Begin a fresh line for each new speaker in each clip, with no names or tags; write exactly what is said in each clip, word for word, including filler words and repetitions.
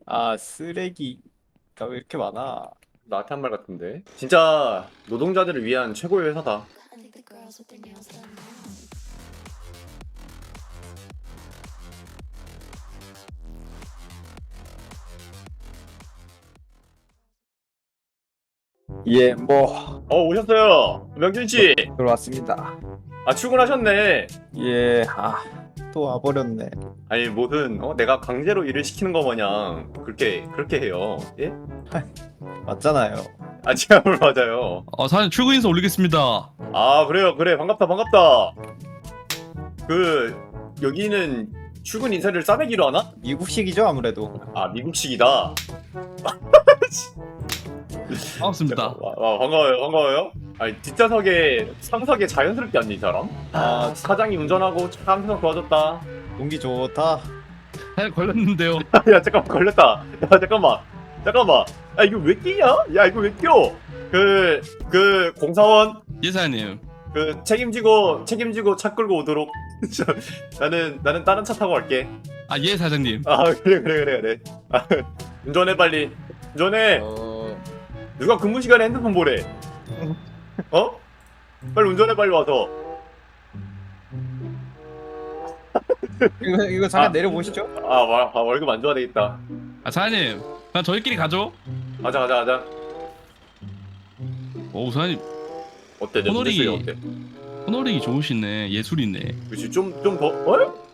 아, 쓰레기가 왜 이렇게 많아?
나한테 한 말 같은데. 진짜 노동자들을 위한 최고의 회사다.
예, 뭐
어, 오셨어요. 명준 씨.
들어왔습니다.
아, 출근하셨네.
예, 아, 또 와버렸네.
아니, 무슨 어, 내가 강제로 일을 시키는 거 마냥 그렇게 그렇게 해요. 예?
맞잖아요.
아, 제가 뭘 맞아요.
아, 사장님 출근 인사 올리겠습니다.
아, 그래요. 그래. 반갑다. 반갑다. 그 여기는 출근 인사를 싸매기로 하나?
미국식이죠, 아무래도.
아, 미국식이다.
반갑습니다.
와, 와, 반가워요. 반가워요. 아니, 뒷좌석에 상석에 자연스럽게 앉는 이 사람? 아, 사장이 운전하고 차한테서 도와줬다.
공기 좋다.
사장님 걸렸는데요.
야, 잠깐만, 걸렸다. 야, 잠깐만. 잠깐만. 야, 이거 왜 끼냐? 야, 이거 왜 껴? 그, 그, 공사원,
예, 사장님.
그, 책임지고, 책임지고 차 끌고 오도록. 저, 나는, 나는 다른 차 타고 갈게.
아, 예, 사장님.
아, 그래, 그래, 그래, 그래. 아, 운전해, 빨리. 운전해.
어,
누가 근무 시간에 핸드폰 보래? 어? 빨리 운전해, 빨리 와서.
이거 이거 잠깐
아.
내려보시죠.
아, 와, 아, 월급 안 줘야 되겠다.
아, 사장님. 그냥 저희끼리 가죠.
가자, 가자, 가자.
오, 사장님.
어때, 내
호놀이.
문제수가 어때?
호노링이 좋으시네. 예술이네.
그치, 좀, 좀 더, 어?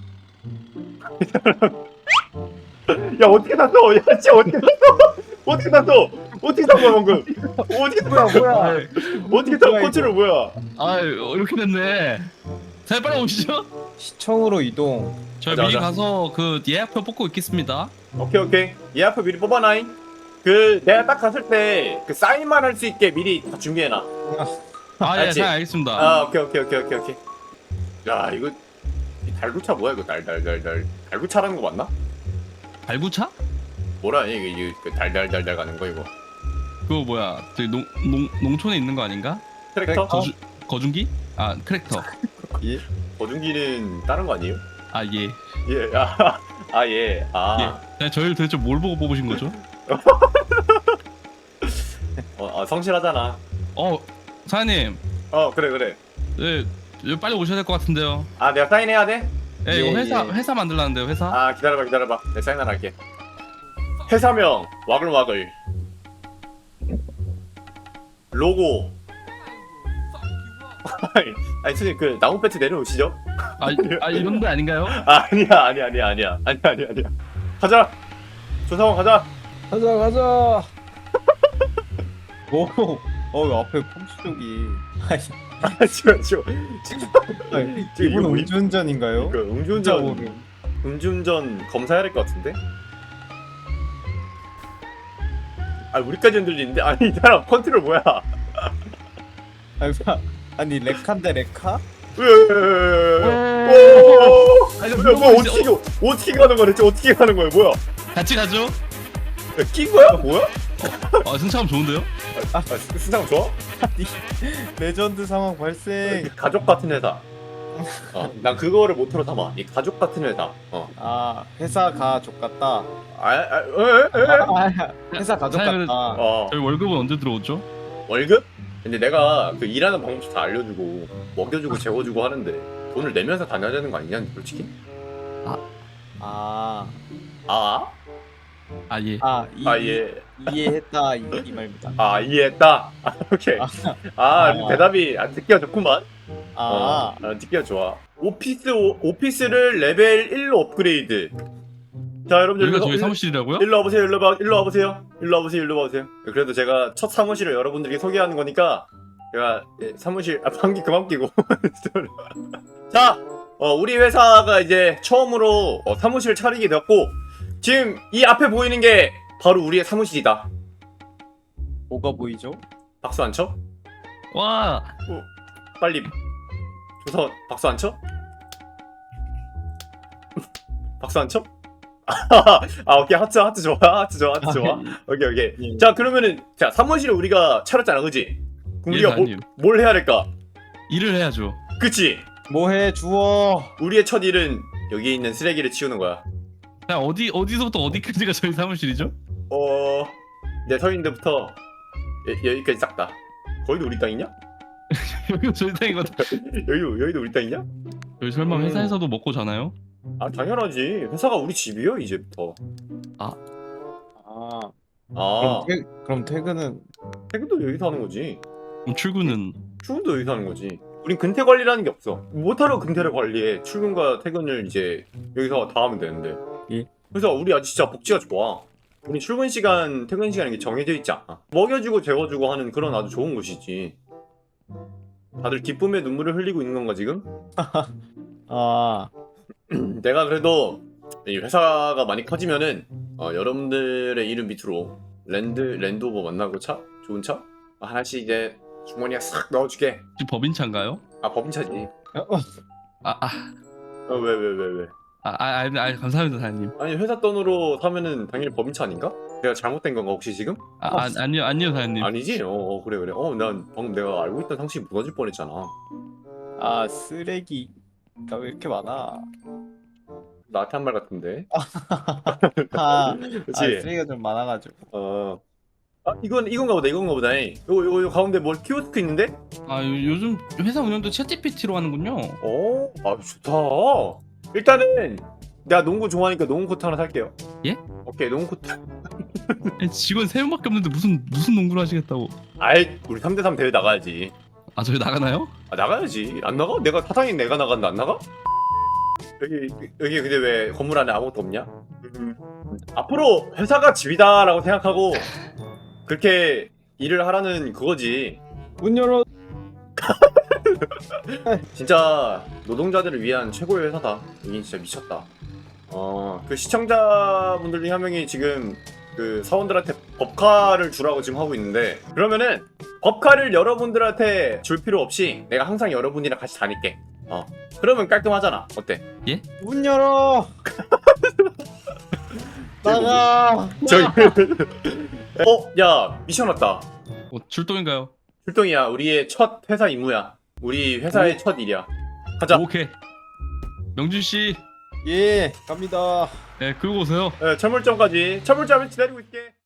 야, 어떻게 샀어? 야, 진짜 어떻게 샀어? 어떻게 샀어? 어떻게 산 거야, 방금? 어떻게 산 거야,
뭐야?
어떻게 산
뭐야,
컨트롤 뭐야?
아, 어, 이렇게 됐네. 사장님 빨리 오시죠.
시청으로 이동.
저희
가자,
미리
가자.
가서 그 예약표 뽑고 있겠습니다.
오케이, 오케이. 예약표 미리 뽑아놔잉. 그, 내가 딱 갔을 때, 그, 사인만 할 수 있게 미리 다 준비해놔.
아, 예,
알지?
사장님 알겠습니다.
아, 오케이, 오케이, 오케이, 오케이, 오케이. 야, 이거, 이 달구차 뭐야, 이거? 달, 달, 달, 달. 달구차라는 거 맞나?
발구차?
뭐라, 이게, 이게, 그 달, 달, 달, 달 가는 거, 이거.
그거 뭐야? 저기 농, 농, 농촌에 있는 거 아닌가?
트랙터?
거주, 거중기? 아, 트랙터.
예.
거중기는 다른 거 아니에요?
아, 예.
예, 아, 아, 예, 아.
예. 그냥 저희를 도대체 뭘 보고 뽑으신 거죠?
어, 아, 성실하잖아.
어, 사장님.
어, 그래, 그래.
네, 여기 빨리 오셔야 될 것 같은데요.
아, 내가 사인해야 돼?
예,
예,
이거 회사
예.
회사 만들라는데요, 회사.
아, 기다려봐, 기다려봐. 내가 사인 하나 할게. 회사명, 와글와글. 로고. 아니, 아니, 선생님, 그, 나무 배트 내려오시죠?
아, 이- 아 이런 거 아닌가요?
아, 아니야, 아니야, 아니야, 아니야. 아니야, 아니야, 아니야. 가자! 조사원 가자!
가자, 가자. 오, 어, 앞에 폼수족이.
아, 지금, 지금.
아니,
지금
이분
이거 뭐-
음주운전인가요?
그,
진짜
음주운전,
모름.
음주운전 검사해야 될 것 같은데? 아, 우리까지 흔들리는데? 아니, 이 사람 컨트롤 뭐야?
아니, 사- 아니 레카인데 레카?
아니,
뭐야, 뭐야, 어떻게, 어떻게 가는 거야, 대체 어떻게 가는 거야, 뭐야?
같이 가죠.
야, 낀 거야? 뭐야?
아, 승차감 좋은데요?
아, 수상 좋아?
레전드 상황 발생.
가족 같은 회사. 어, 난 그거를 모토로 담아. 이 가족 같은 회사. 어.
아, 회사 가족 같다.
아, 아, 에, 에, 에?
아, 회사 가족
사장님,
같다.
어.
저희 월급은 언제 들어오죠?
월급? 근데 내가 그 일하는 방법 다 알려주고 먹여주고 재워주고 하는데 돈을 내면서 다녀야 되는 거 아니냐, 솔직히?
아,
아?
아, 예.
아, 이,
아, 예.
이해했다 이, 이 말입니다.
아, 이해했다. 아, 오케이. 아,
아.
대답이 안 듣기가 좋구만.
아,
어, 아, 듣기가 좋아. 오피스, 오, 오피스를 레벨 일로 업그레이드. 자, 여러분들.
여기가
일로-
저희
일-
사무실이라고요?
일로 와보세요, 일로 와, 일로 와보세요. 일로 와보세요, 일로 와보세요. 그래도 제가 첫 사무실을 여러분들에게 소개하는 거니까, 제가 예, 사무실, 아, 방귀 그만 끼고. 자, 어, 우리 회사가 이제 처음으로 어, 사무실을 차리게 되었고, 지금 이 앞에 보이는 게 바로 우리의 사무실이다.
뭐가 보이죠?
박수 안 쳐?
와,
빨리. 조서, 박수 안 쳐? 박수 안 쳐? 아, 오케이. 하트, 하트 좋아. 하트 좋아, 하트 좋아. 오케이, 오케이.
예.
자, 그러면은, 자, 사무실을 우리가 차렸잖아, 그지? 그럼
예,
우리가 뭐,
사장님.
뭘 해야 될까?
일을 해야죠.
그치?
뭐해 주워.
우리의 첫 일은 여기에 있는 쓰레기를 치우는 거야.
자, 어디 어디서부터 어디까지가 저희 사무실이죠?
어, 내 서 있는 데부터 여, 여기까지 싹 다. 거기도 우리 땅이냐?
여기가 저희 땅인 것 같아.
여기도 여기도 우리 땅이냐?
여기 설마
음.
회사에서도 먹고 자나요?
아 당연하지. 회사가 우리 집이요 이제부터.
아
아
그럼, 퇴, 그럼 퇴근은
퇴근도 여기서 하는 거지.
그럼 출근은
출근도 여기서 하는 거지. 우린 근태 관리라는 게 없어. 못하러 근태를 관리해. 출근과 퇴근을 이제 여기서 다 하면 되는데.
예.
그래서 우리 아주 진짜 복지가 좋아. 우리 출근 시간, 퇴근 시간이 이게 정해져 있지 않아. 먹여주고 재워주고 하는 그런 아주 좋은 곳이지. 다들 기쁨의 눈물을 흘리고 있는 건가 지금?
아
내가 그래도 이 회사가 많이 커지면은 어, 여러분들의 이름 밑으로 랜드 랜드오버 만나고 차? 좋은 차? 하나씩 이제 주머니에 싹 넣어주게.
혹시 법인차인가요?
아 법인차지.
아, 아,
어, 왜 왜 왜 왜?
아, 아, 아, 아 감사합니다, 사장님.
아니 회사 돈으로 사면은 당연히 법인차 아닌가? 내가 잘못된 건가 혹시 지금?
아, 아 아니요, 아니요, 사장님.
아니지? 어, 어 그래 그래. 어 난 방금 내가 알고 있던 상식이 무너질 뻔했잖아.
아, 쓰레기가 왜 이렇게 많아?
나한테 한 말 같은데.
아, 아
그렇지?
쓰레기가 좀 많아가지고.
어. 아 이건 이건가 보다 이건가 보다. 요거 요거 요 가운데 뭘 키오스크 있는데?
아, 요, 요즘 회사 운영도 챗지피티로 하는군요.
오, 아 좋다. 일단은 내가 농구 좋아하니까 농구 코트 하나 살게요.
예?
오케이 농구 코트.
아니, 직원 세 명밖에 없는데 무슨 무슨 농구를 하시겠다고?
아이 우리 삼 대 삼 대회 나가야지.
아, 저희 나가나요?
아 나가야지. 안 나가? 내가 사장인 내가 나갔는데 안 나가? 여기 여기 근데 왜 건물 안에 아무것도 없냐? 음, 앞으로 회사가 집이다라고 생각하고 그렇게 일을 하라는 그거지.
문 열어.
진짜 노동자들을 위한 최고의 회사다. 여긴 진짜 미쳤다. 어, 그 시청자분들 중에 한 명이 지금 그 사원들한테 법카를 주라고 지금 하고 있는데 그러면은 법카를 여러분들한테 줄 필요 없이 내가 항상 여러분이랑 같이 다닐게. 어, 그러면 깔끔하잖아. 어때?
문 열어. 나가.
저기 어, 야 미션 왔다.
어, 출동인가요?
출동이야. 우리의 첫 회사 임무야. 우리 회사의
오.
첫 일이야. 가자.
오케이. 명준 씨,
예, 갑니다.
네, 끌고 오세요.
네, 철물점까지. 철물점에 기다리고 있게.